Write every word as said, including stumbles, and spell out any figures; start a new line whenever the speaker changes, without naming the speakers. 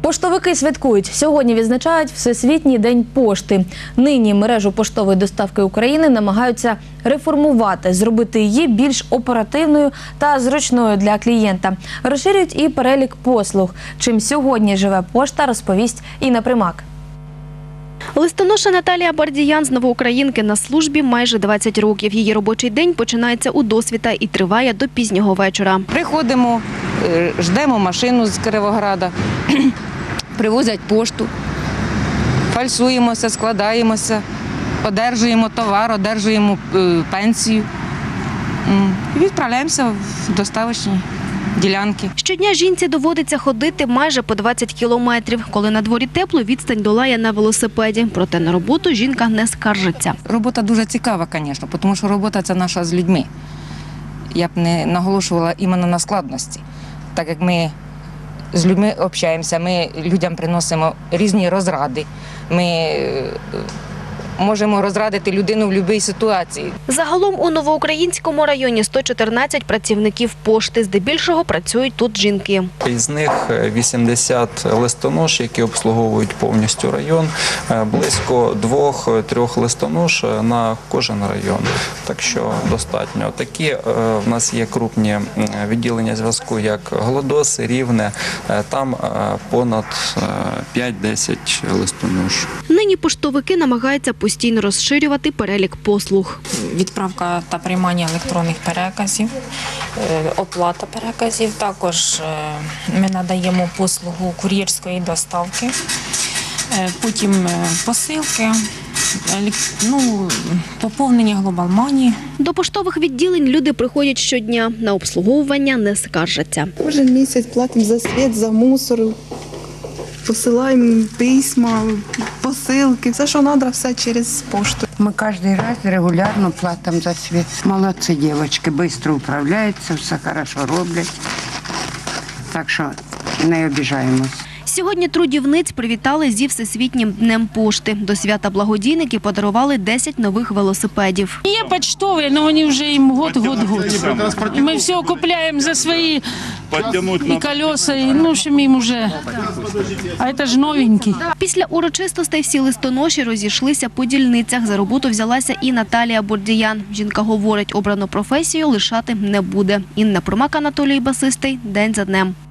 Поштовики святкують. Сьогодні відзначають Всесвітній день пошти. Нині мережу поштової доставки України намагаються реформувати, зробити її більш оперативною та зручною для клієнта. Розширюють і перелік послуг. Чим сьогодні живе пошта, розповість Інна Примак.
Листоноша Наталія Бардіян з Новоукраїнки на службі майже двадцять років. Її робочий день починається у досвіта і триває до пізнього вечора.
Приходимо, ждемо машину з Кіровограда, привозять пошту, фальсуємося, складаємося, одержуємо товар, одержуємо пенсію і відправляємося в доставочні ділянки.
Щодня жінці доводиться ходити майже по двадцять кілометрів. Коли на дворі тепло, відстань долає на велосипеді. Проте на роботу жінка не скаржиться.
Робота дуже цікава, звісно, тому що робота – це наша з людьми. Я б не наголошувала іменно на складності. Так як ми з людьми общаємося, ми людям приносимо різні розради. Ми можемо розрадити людину в будь-якій ситуації.
Загалом у Новоукраїнському районі сто чотирнадцять працівників пошти. Здебільшого працюють тут жінки.
Із них вісімдесят листонож, які обслуговують повністю район, близько двох-трьох листонож на кожен район. Так що достатньо. Такі в нас є крупні відділення зв'язку, як Глодоси, Рівне. Там понад п'ять-десять листонож.
Нині поштовики намагаються постійно розширювати перелік послуг.
Відправка та приймання електронних переказів, оплата переказів. Також ми надаємо послугу кур'єрської доставки, потім посилки, ну, поповнення Global Money.
До поштових відділень люди приходять щодня. На обслуговування не скаржаться.
Кожен місяць платимо за світ, за мусор, посилаємо письма, посилки. Все, що треба, все через пошту.
Мы каждый раз регулярно платим за свет. Молодцы девочки, быстро управляются, все хорошо роблять. Так що не обіжаємось.
Сьогодні трудівниць привітали зі Всесвітнім днем пошти. До свята благодійники подарували десять нових велосипедів.
Є почтові, але вони вже їм год-год-год. І ми все купуємо за свої і колеса, і ну, що їм вже, а це ж новенькі.
Після урочистостей всі листоноші розійшлися по дільницях. За роботу взялася і Наталія Бардіян. Жінка говорить, обрану професію лишати не буде. Інна Примак, Анатолій Басистий. День за днем.